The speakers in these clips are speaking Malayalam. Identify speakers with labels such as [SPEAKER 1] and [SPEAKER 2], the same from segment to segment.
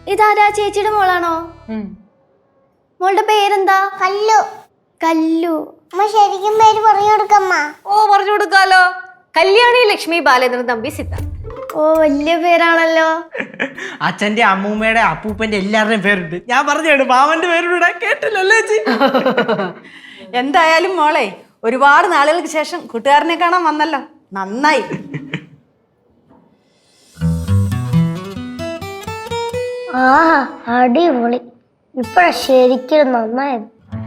[SPEAKER 1] ഇതാരാ ചേച്ചിയുടെ മോളാണോ? മോളുടെ പേരെന്താ?
[SPEAKER 2] കല്ലു.
[SPEAKER 1] കല്ലു.
[SPEAKER 2] അമ്മ ശരിക്കും പേര് പറഞ്ഞു കൊടുക്കമ്മ.
[SPEAKER 3] ഓ പറഞ്ഞു കൊടുക്കാലോ. കല്യാണി ലക്ഷ്മി ബാലേന്ദ്രൻ തമ്പി സിദ്ധാർത്ഥ്.
[SPEAKER 1] ഓ വലിയ പേരാണല്ലോ.
[SPEAKER 4] അച്ഛന്റെ അമ്മൂമ്മയുടെ അപ്പൂപ്പന്റെ എല്ലാവരുടെയും പേരുണ്ട്. ഞാൻ പറഞ്ഞു മാമന്റെ പേരുടെ കേട്ടില്ലല്ലേ ചേച്ചി?
[SPEAKER 3] എന്തായാലും മോളെ ഒരുപാട് നാളുകൾക്ക് ശേഷം കൂട്ടുകാരനെ കാണാൻ വന്നല്ലോ, നന്നായി.
[SPEAKER 2] ആഹാ അടിപൊളി. ഇപ്പഴാ ശരിക്കും നന്നായത്.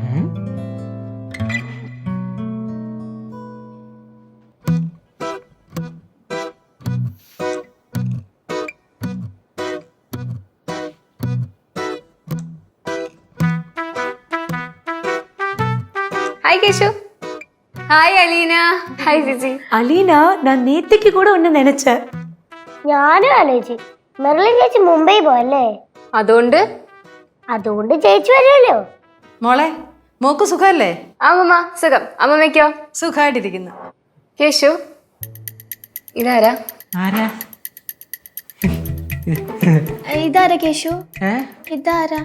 [SPEAKER 5] Hi Keshu. Hi Aleena. Hi Jiji.
[SPEAKER 3] Aleena, ഞാൻ നേത്തേക്ക് കൂടെ ഒന്ന് നനച്ച.
[SPEAKER 2] ഞാനും ആലോചിച്ചു മെർലിൻ ചേച്ചി മുംബൈ പോയല്ലേ, അതുകൊണ്ട് ചേച്ചി വരുമല്ലോ.
[SPEAKER 3] മോളെ മോക്ക് സുഖല്ലേ?
[SPEAKER 5] ஆமாம்மா சுகம். அம்மாமைக்கோ?
[SPEAKER 3] സുഖമായിട്ടിരിക്കുന്നു.
[SPEAKER 5] கேஷு ഇതാരാ?
[SPEAKER 4] ആരാ?
[SPEAKER 1] ഇതാരാ കേശു?
[SPEAKER 4] ഏ?
[SPEAKER 1] ഇതാരാ?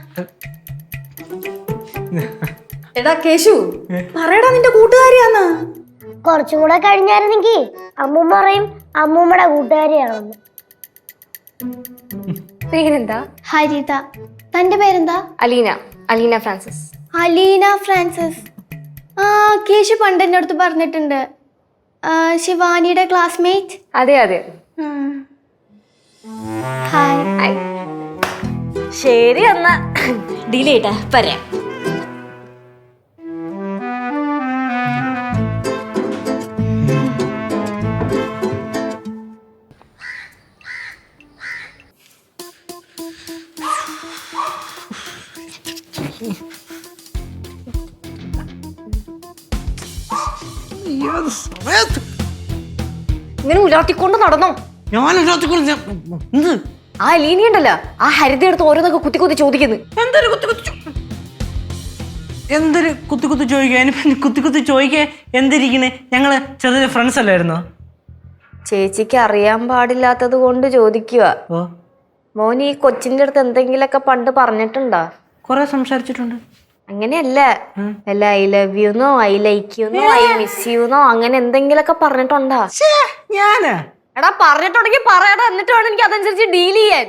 [SPEAKER 3] എടാ കേശു, പറയടാ നിന്റെ കൂട്ടുകാരിയാന്ന്.
[SPEAKER 2] കുറച്ചും കൂടെ കഴിഞ്ഞായിരുന്നെങ്കിൽ അമ്മൂമ്മ പറയും അമ്മൂമ്മയുടെ കൂട്ടുകാരിയാണെന്ന്.
[SPEAKER 5] പേരെന്താ?
[SPEAKER 1] ഹരിത. തന്റെ പേരെന്താ?
[SPEAKER 5] അലീന. അലീന ഫ്രാൻസിസ്.
[SPEAKER 1] അലീന ഫ്രാൻസിസ്. ആ കേശു പണ്ട് എൻ്റെ അടുത്ത് പറഞ്ഞിട്ടുണ്ട്. ശിവാനിയുടെ ക്ലാസ്മേറ്റ്.
[SPEAKER 5] അതെ അതെ.
[SPEAKER 1] ഹായ്.
[SPEAKER 5] ഹായ്.
[SPEAKER 3] ശരി എന്നാ ഡിലേറ്റാ പറയാം.
[SPEAKER 5] ഇങ്ങനെ ഉലാട്ടിക്കൊണ്ട് നടന്നോ?
[SPEAKER 4] എന്ത്?
[SPEAKER 5] ആ അലീന ഉണ്ടല്ലോ, ആ ഹരിത എടുത്ത് ഓരോന്നൊക്കെ കുത്തി കുത്തി ചോദിക്കുന്നു.
[SPEAKER 4] എന്തൊരു കുത്തി കുത്തി ചോദിക്കാൻ കുത്തി കുത്തി ചോദിക്കാൻ എന്തിരിക്കണേ? ഞങ്ങള് ചെറിയ ഫ്രണ്ട്സ് അല്ലായിരുന്നോ?
[SPEAKER 5] ചേച്ചിക്ക് അറിയാൻ പാടില്ലാത്തത് കൊണ്ട് ചോദിക്കുക.
[SPEAKER 4] ഓ,
[SPEAKER 5] മോൻ ഈ കൊച്ചിന്റെ അടുത്ത് എന്തെങ്കിലൊക്കെ പണ്ട് പറഞ്ഞിട്ടുണ്ടോ?
[SPEAKER 4] കൊറേ സംസാരിച്ചിട്ടുണ്ട്.
[SPEAKER 5] അങ്ങനെയല്ല, അല്ല I love you know I like you know I miss you know അങ്ങനെ എന്തെങ്കിലൊക്കെ പറഞ്ഞിട്ടുണ്ടോ?
[SPEAKER 4] ഞാനാ?
[SPEAKER 5] എടാ പറഞ്ഞിട്ടുണ്ടെങ്കിൽ പറയടാ, എന്നിട്ട് വേണം എനിക്ക് അതനുസരിച്ച് ഡീൽ ചെയ്യാൻ.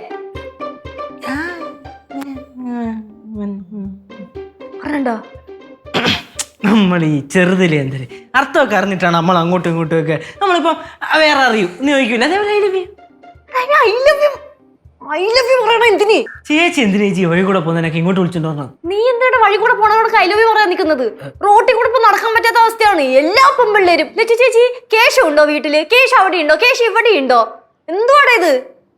[SPEAKER 5] പറഞ്ഞോ?
[SPEAKER 4] നമ്മൾ ഈ ചെറുതിലെ എന്തൊരു അർത്ഥമൊക്കെ അറിഞ്ഞിട്ടാണ് നമ്മൾ അങ്ങോട്ടും ഇങ്ങോട്ടും ഒക്കെ നമ്മളിപ്പോ വേറെ അറിയൂ എന്ന് ചോദിക്കൂല. അതേപോലെ
[SPEAKER 5] ഐ ലവ് യു പറയണ എന്തിന്?
[SPEAKER 4] ചേച്ചി എന്തിനാ ചേച്ചി വഴി കൂടെ പോകുന്നതിനൊക്കെ ഇങ്ങോട്ട് വിളിച്ചോണ്ട് വന്നത്?
[SPEAKER 5] നീ എന്താണ് വഴി കൂടെ പോണവരോട് ഐ ലവ് യു പറയാൻ നിൽക്കുന്നത്? റോട്ടിൽ കൂടെ ഇപ്പൊ നടക്കാൻ പറ്റാത്ത അവസ്ഥയാണ് എല്ലാ പെൺപിള്ളേരും. ചേച്ചി കേശു ഉണ്ടോ വീട്ടില്? കേശു അവിടെ ഉണ്ടോ? കേശു ഇവിടെ ഉണ്ടോ? എന്തുവാടാ ഇത്?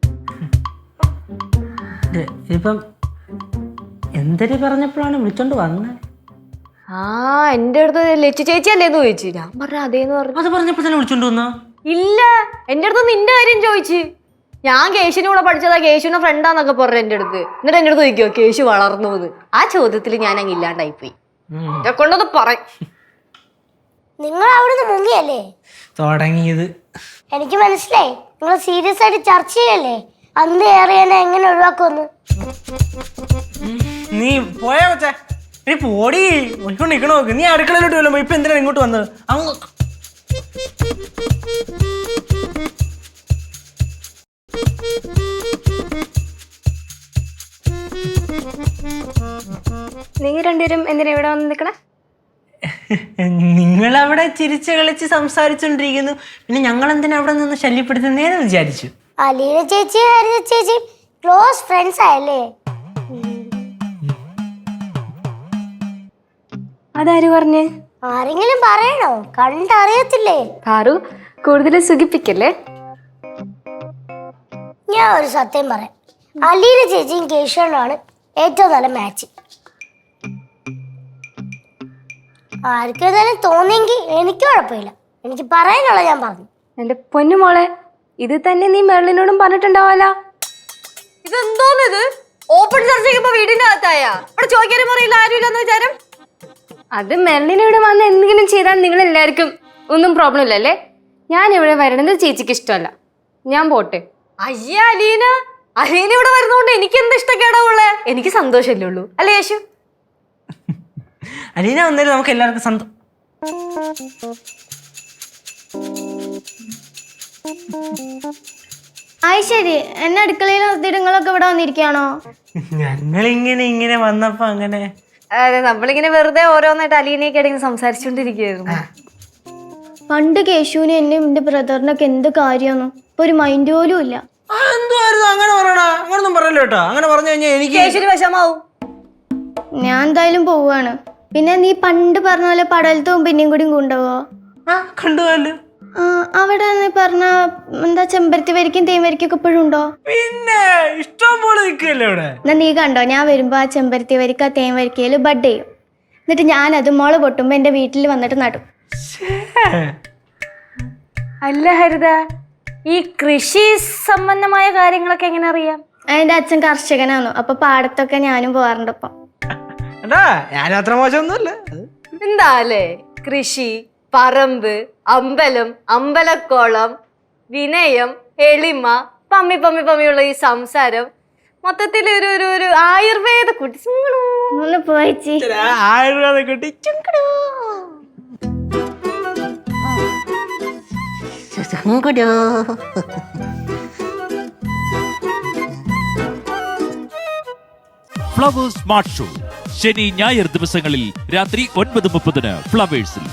[SPEAKER 4] ഇപ്പം എന്തൊരു പറഞ്ഞപ്പോഴാണ് വിളിച്ചോണ്ട് വന്നത്?
[SPEAKER 5] ആ എന്റെ അടുത്ത് ലച്ചു ചേച്ചി അല്ലേന്ന് ചോദിച്ചു. ഞാൻ പറഞ്ഞ അതേന്ന് പറഞ്ഞു.
[SPEAKER 4] അത് പറഞ്ഞപ്പോ തന്നെ വിളിച്ചോണ്ട് വന്നോ?
[SPEAKER 5] ഇല്ല, എന്റെ അടുത്ത് നിന്റെ കാര്യം ചോദിച്ചു. ഞാൻ കേശുവിന്റെ കൂടെ പഠിച്ചതാ, കേശുവിന്റെ ഫ്രണ്ടാന്നൊക്കെ പറഞ്ഞു എന്റെ അടുത്ത്. എന്നിട്ട് എന്റെ അടുത്ത് ചോദിക്കോ കേശു വളർന്നു എന്ന്. ആ ചോദ്യത്തിൽ ഞാൻ അങ്ങ് ഇല്ലാണ്ടായി പോയി. എന്നെ കൊണ്ടത് പറയും.
[SPEAKER 2] നിങ്ങൾ അവിടുന്ന് മുങ്ങിയല്ലേ
[SPEAKER 4] തുടങ്ങിയത്?
[SPEAKER 2] എനിക്ക് മനസ്സിലായി. നിങ്ങൾ സീരിയസ് ആയിട്ട് ചർച്ച ചെയ്യല്ലേ അന്ന് ഏറിയനെ എങ്ങനെ ഒഴിവാക്കുമെന്ന്.
[SPEAKER 4] നീ പോയാ വെച്ചേ? നീ പോടി ഒളിക്കൊണ്ട് നിക്കണ നോക്ക്. നീ അടുക്കളയിലോട്ട് വല്ലോ. ഇപ്പൊ എന്തിനാണ് ഇങ്ങോട്ട് വന്നത്? അങ്ങ്
[SPEAKER 5] നിങ്ങൾ രണ്ടുപേരും എന്തിനാ ഇവിടെ വന്ന് നിൽക്കണേ?
[SPEAKER 4] നിങ്ങളവിടെ ചിരിച്ച് കളിച്ച് സംസാരിച്ചോണ്ടിരിക്കുന്നു, പിന്നെ ഞങ്ങൾ എന്തിനാ അവിടെ നിന്ന് ശല്യപ്പെടുത്തുന്നേന്ന് വിചാരിച്ചു.
[SPEAKER 2] അലീന ചേച്ചി ഹരിത ചേച്ചി ക്ലോസ് ഫ്രണ്ട്സ് ആയല്ലേ?
[SPEAKER 5] അതാര് പറഞ്ഞ്?
[SPEAKER 2] ആരെങ്കിലും പറയണോ? കണ്ടറിയത്തില്ലേ?
[SPEAKER 5] കാറു കൂടുതൽ സുഖിപ്പിക്കല്ലേ.
[SPEAKER 2] ഞാൻ ഒരു സത്യം പറയാം, അലീന ചേച്ചിയും കേശവനാണ് ഏറ്റവും നല്ല മാച്ച്. ആർക്കും ഏതായാലും തോന്നിയെങ്കിൽ എനിക്ക് കുഴപ്പമില്ല. എനിക്ക് പറയാനുള്ള ഞാൻ പറഞ്ഞു.
[SPEAKER 5] എന്റെ പൊന്നു മോളെ, ഇത് തന്നെ നീ മെർലിനോടും പറഞ്ഞിട്ടുണ്ടാവല്ല. ഇതെന്തോന്ന് ഇത്? ഓപ്പൺ ചർച്ച ചെയ്യുമ്പോ വീടിന്റെ അകത്തായ ഇവിടെ ചോദിക്കാനും പറയില്ല ആരുമില്ലെന്ന് വിചാരം. അത് മെർലിനോട് വന്ന് എന്തെങ്കിലും ചെയ്താൽ നിങ്ങൾ എല്ലാവർക്കും ഒന്നും പ്രോബ്ലം ഇല്ലല്ലേ? ഞാൻ ഇവിടെ വരണത് ചേച്ചിക്ക് ഇഷ്ടമല്ല. ഞാൻ പോട്ടെ. അയ്യ അലീന, അലീന ഇവിടെ വരുന്നോണ്ട് എനിക്ക് എന്ത് ഇഷ്ടക്കേടാ ഉള്ളേ? എനിക്ക് സന്തോഷമല്ലേ ഉള്ളൂ അല്ലേ യേശു?
[SPEAKER 4] അലീന വന്നാലും നമുക്ക് എല്ലാവർക്കും സന്തോഷം.
[SPEAKER 1] ആയി ശരി, എന്നെ അടുക്കളയിൽ നിർത്തിയിടങ്ങളൊക്കെ ഇവിടെ വന്നിരിക്കുകയാണോ?
[SPEAKER 4] ഞങ്ങളിങ്ങനെ വന്നപ്പോ അങ്ങനെ
[SPEAKER 5] അതെ, നമ്മളിങ്ങനെ വെറുതെ ഓരോന്നായിട്ട് അലീനയൊക്കെ ഇടയിൽ സംസാരിച്ചോണ്ടിരിക്കുകയായിരുന്നു.
[SPEAKER 1] പണ്ട് കേശുവിനും എന്നെയും എന്റെ ബ്രദറിനൊക്കെ എന്ത് കാര്യമാണ്, ഇപ്പൊ ഒരു മൈൻഡ് പോലും ഇല്ല.
[SPEAKER 4] എന്തുവായിരുന്നു അങ്ങനെ പറയണ? അങ്ങനൊന്നും പറയല്ലോ കേട്ടോ. അങ്ങനെ പറഞ്ഞു കഴിഞ്ഞാൽ എനിക്ക്
[SPEAKER 5] യേശുവിന് വിഷമാവും.
[SPEAKER 1] ഞാൻ എന്തായാലും പോവാണ്. പിന്നെ നീ പണ്ട് പറഞ്ഞ പോലെ പടലത്തും പിന്നെയും കൂടി കൊണ്ടുപോവോ?
[SPEAKER 4] കണ്ടുപോലോ.
[SPEAKER 1] അവിടെ പറഞ്ഞ എന്താ ചെമ്പരത്തി വരിക്കും തേൻ വരിക്കും ഒക്കെ ഇപ്പോഴും ഉണ്ടോ?
[SPEAKER 4] പിന്നെ ഇഷ്ടം പോലെ നിൽക്കല്ലേ ഇവിടെ.
[SPEAKER 1] എന്നാ നീ കണ്ടോ, ഞാൻ വരുമ്പോ ആ ചെമ്പരത്തി വരിക്ക തേൻ വരിക്കയില് ബഡ് ചെയ്യും. എന്നിട്ട് ഞാനത് മുള പൊട്ടുമ്പോ എന്റെ വീട്ടിൽ വന്നിട്ട് നടും.
[SPEAKER 5] അല്ല ഹരിത, ഈ കൃഷി സംബന്ധമായ കാര്യങ്ങളൊക്കെ എങ്ങനെ അറിയാം?
[SPEAKER 1] എന്റെ അച്ഛൻ കർഷകനാണ്, അപ്പൊ പാടത്തൊക്കെ ഞാനും പോവാറുണ്ട്. ഇപ്പൊ
[SPEAKER 4] ഞാൻ അത്ര മോശമൊന്നുമല്ല.
[SPEAKER 5] എന്താ അല്ലേ, കൃഷി, പറമ്പ്, അമ്പലം, അമ്പലക്കോളം, വിനയം, എളിമ, പമ്മി പമ്മി പമ്മിയുള്ള ഈ സംസാരം, മൊത്തത്തിൽ ഒരു ആയുർവേദ കുട്ടി.
[SPEAKER 1] ഒന്ന് പോയിച്ചി
[SPEAKER 4] ആയുർവേദ കുട്ടി.
[SPEAKER 6] ഫ്ലവേഴ്സ് സ്മാർട്ട് ഷോ ശനി ഞായർ ദിവസങ്ങളിൽ രാത്രി 9:30 ഫ്ലവേഴ്സിൽ.